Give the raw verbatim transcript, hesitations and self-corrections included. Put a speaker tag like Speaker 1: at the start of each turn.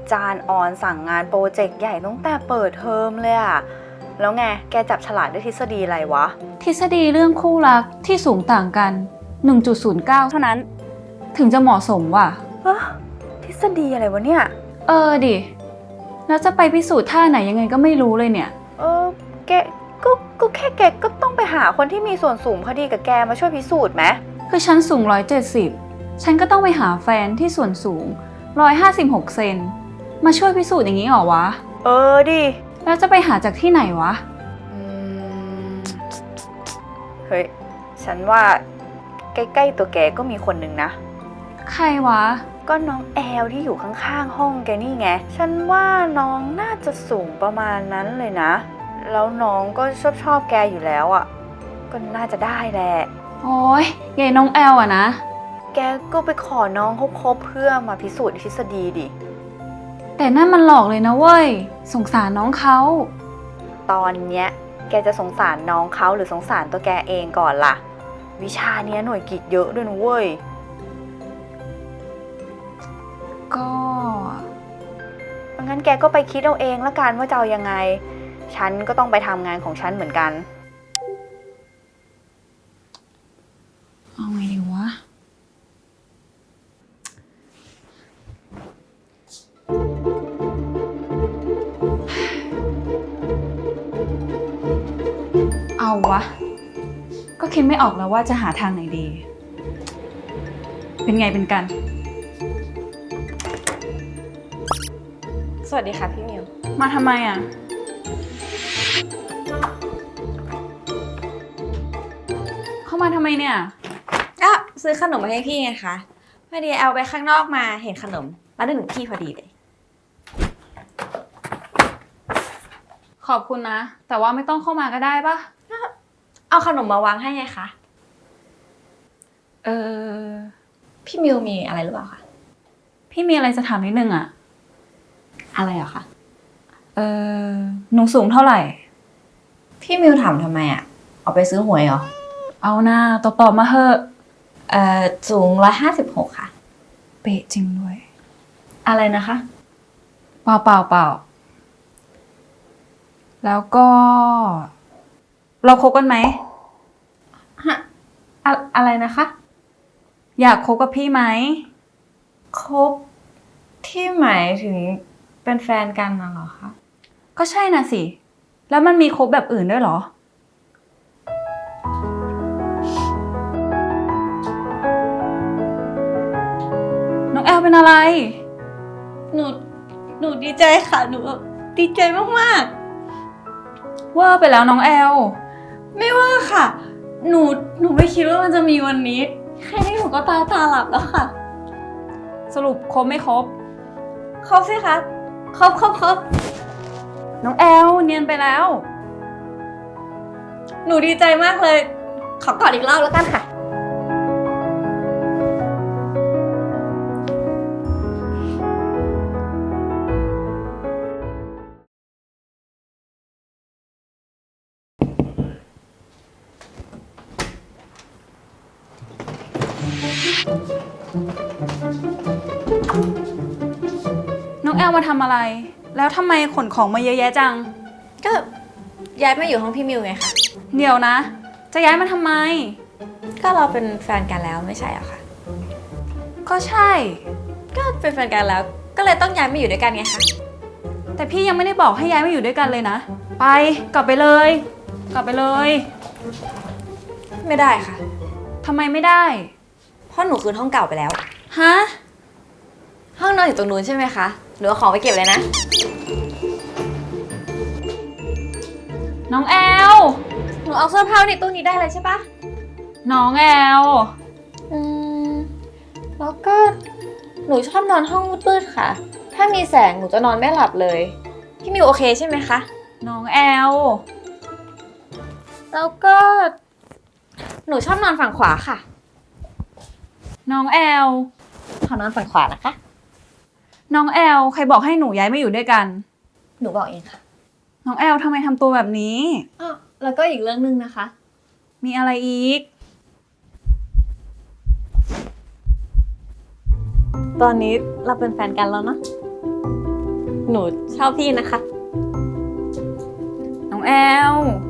Speaker 1: จารย์ออนสั่งงานโปรเจกต์ใหญ่ตั้งแต่เปิดเทอมเลยอะแล้วไงแกจับฉลากด้วยทฤษฎีอะไรวะ
Speaker 2: ทฤษฎีเรื่องคู่รักที่สูงต่างกัน หนึ่งจุดศูนย์เก้า เท่านั้นถึงจะเหมาะสมว่ะ
Speaker 1: เออทฤษฎีอะไรวะเนี่ย
Speaker 2: เออดิแล้วจะไปพิสูจน์ท่าไหนยังไงก็ไม่รู้เลยเนี่ย
Speaker 1: เออแกก็ก็แค่แกก็ต้องไปหาคนที่มีส่วนสูงพอดีกับแกมาช่วยพิสูจน์ไหม
Speaker 2: คือฉันสูงหนึ่งร้อยเจ็ดสิบฉันก็ต้องไปหาแฟนที่ส่วนสูงหนึ่งร้อยห้าสิบหกเซนมาช่วยพิสูจน์อย่างนี้เหรอวะ
Speaker 1: เออดิ
Speaker 2: แล้วจะไปหาจากที่ไหนวะ
Speaker 1: อืมเฮ้ยฉันว่าใกล้ๆตัวแกก็มีคนหนึ่งนะ
Speaker 2: ใครวะ
Speaker 1: ก็น้องแอลที่อยู่ข้างๆห้องแกนี่ไงฉันว่าน้องน่าจะสูงประมาณนั้นเลยนะแล้วน้องก็ชอบชอบแกอยู่แล้วอ่ะก็น่าจะได้แหละ
Speaker 2: โอ้ยใหญ่น้องแอลอะนะ
Speaker 1: แกก็ไปขอน้องเขาคบเพื่อมาพิสูจน์ทฤษฎีดิ
Speaker 2: แต่นั่นมันหลอกเลยนะเว้ยสงสารน้องเขา
Speaker 1: ตอนเนี้ยแกจะสงสารน้องเขาหรือสงสารตัวแกเองก่อนล่ะวิชาเนี้ยหน่วยกิตเยอะด้วยนะเว้ย
Speaker 2: ก็
Speaker 1: งั้นแกก็ไปคิดเอาเองละกันว่าจะเอายังไงฉันก็ต้องไปทำงานของฉันเหมือนกัน
Speaker 2: เอาไงดีวะเอาวะก็คิดไม่ออกแล้วว่าจะหาทางไหนดีเป็นไงเป็นกัน
Speaker 3: สวัสดีค่ะพี่มิว
Speaker 2: มาทำไมอ่ะเข้ามาทำไมเนี่ย
Speaker 3: อ่ะซื้อขนมมาให้พี่ไงคะพอดีแอลไปข้างนอกมาเห็นขนมแล้วนึกถึงพี่พอดีเลย
Speaker 2: ขอบคุณนะแต่ว่าไม่ต้องเข้ามาก็ได้ปะ
Speaker 3: เอาขนมมาวางให้ไงคะ
Speaker 2: เออ
Speaker 3: พี่มิวมีอะไรหรือเปล่าคะ
Speaker 2: พี่มีอะไรจะถามนิดนึงอ่ะ
Speaker 3: อะไรอะคะ
Speaker 2: เออหนูสูงเท่าไหร่
Speaker 3: พี่มิวถามทำไมอะเอาไปซื้อหวยเหรอ
Speaker 2: เอาหน้าตอบตอบมาเถอะ
Speaker 3: เอ่อสูงร้อยห้าสิบหกค่ะ
Speaker 2: เป๊ะจริงด้วย
Speaker 3: อะไรนะคะ
Speaker 2: เปล่าเปล่าเปล่าแล้วก็เราคบกันไหม
Speaker 3: ฮะอะอะไรนะคะ
Speaker 2: อยากคบกับพี่ไหม
Speaker 3: คบที่หมายถึงเป็นแฟนกันน่ะเหรอคะ
Speaker 2: ก็ใช่น่ะสิแล้วมันมีคบแบบอื่นด้วยเหรอน้องแอลเป็นอะไร
Speaker 3: หนูหนูดีใจค่ะหนูดีใจมาก
Speaker 2: ๆเวอร์ไปแล้วน้องแอล
Speaker 3: ไม่ว่าค่ะหนูหนูไม่คิดว่ามันจะมีวันนี้แค่นี้หนูก็ตาตาหลับแล้วค่ะ
Speaker 2: สรุปคบไม่คบ
Speaker 3: ครบสิคะครบครบครบ
Speaker 2: น้องแอลเนียนไปแล้ว
Speaker 3: หนูดีใจมากเลยขอกอดอีกรอบแล้วกันค่ะ
Speaker 2: น้องแอลมาทำอะไรแล้วทำไมขนของมาเยอะแยะจัง
Speaker 3: ก็ย้ายมาอยู่ห้องพี่มิวไงคะ
Speaker 2: เดี๋ยวนะจะย้ายมาทำไม
Speaker 3: ก็เราเป็นแฟนกันแล้วไม่ใช่เหรอคะ
Speaker 2: ก็ใช่
Speaker 3: ก็เป็นแฟนกันแล้วก็เลยต้องย้ายมาอยู่ด้วยกันไงคะ
Speaker 2: แต่พี่ยังไม่ได้บอกให้ย้ายมาอยู่ด้วยกันเลยนะไปกลับไปเลยกลับไปเลย
Speaker 3: ไม่ได้ค่ะ
Speaker 2: ทำไมไม่ได้
Speaker 3: เพราะหนูคืนห้องเก่าไปแล้ว
Speaker 2: ฮะ
Speaker 3: ห้องนอนอยู่ตรงนู้นใช่ไหมคะหนูเอาของไปเก็บเลยนะ
Speaker 2: น้องแอล
Speaker 3: หนูเอาเสื้อผ้าในตู้นี้ได้เลยใช่ปะ
Speaker 2: น้องแอล
Speaker 3: อืมแล้วก็หนูชอบนอนห้องมืดๆค่ะถ้ามีแสงหนูจะนอนไม่หลับเลยพี่มิวโอเคใช่ไหมคะ
Speaker 2: น้องแอล
Speaker 3: แล้วก็หนูชอบนอนฝั่งขวาค่ะ
Speaker 2: น้องแอล
Speaker 3: ขอนอนฝั่งขวานะคะ
Speaker 2: น้องแอลใครบอกให้หนูย้ายมาอยู่ด้วยกัน
Speaker 3: หนูบอกเองค่ะ
Speaker 2: น้องแอลทำไมทำตัวแบบนี้
Speaker 3: อ้าวแล้วก็อีกเรื่องนึงนะคะ
Speaker 2: มีอะไรอีก
Speaker 3: ตอนนี้เราเป็นแฟนกันแล้วเนาะหนูชอบพี่นะคะ
Speaker 1: น้องแอล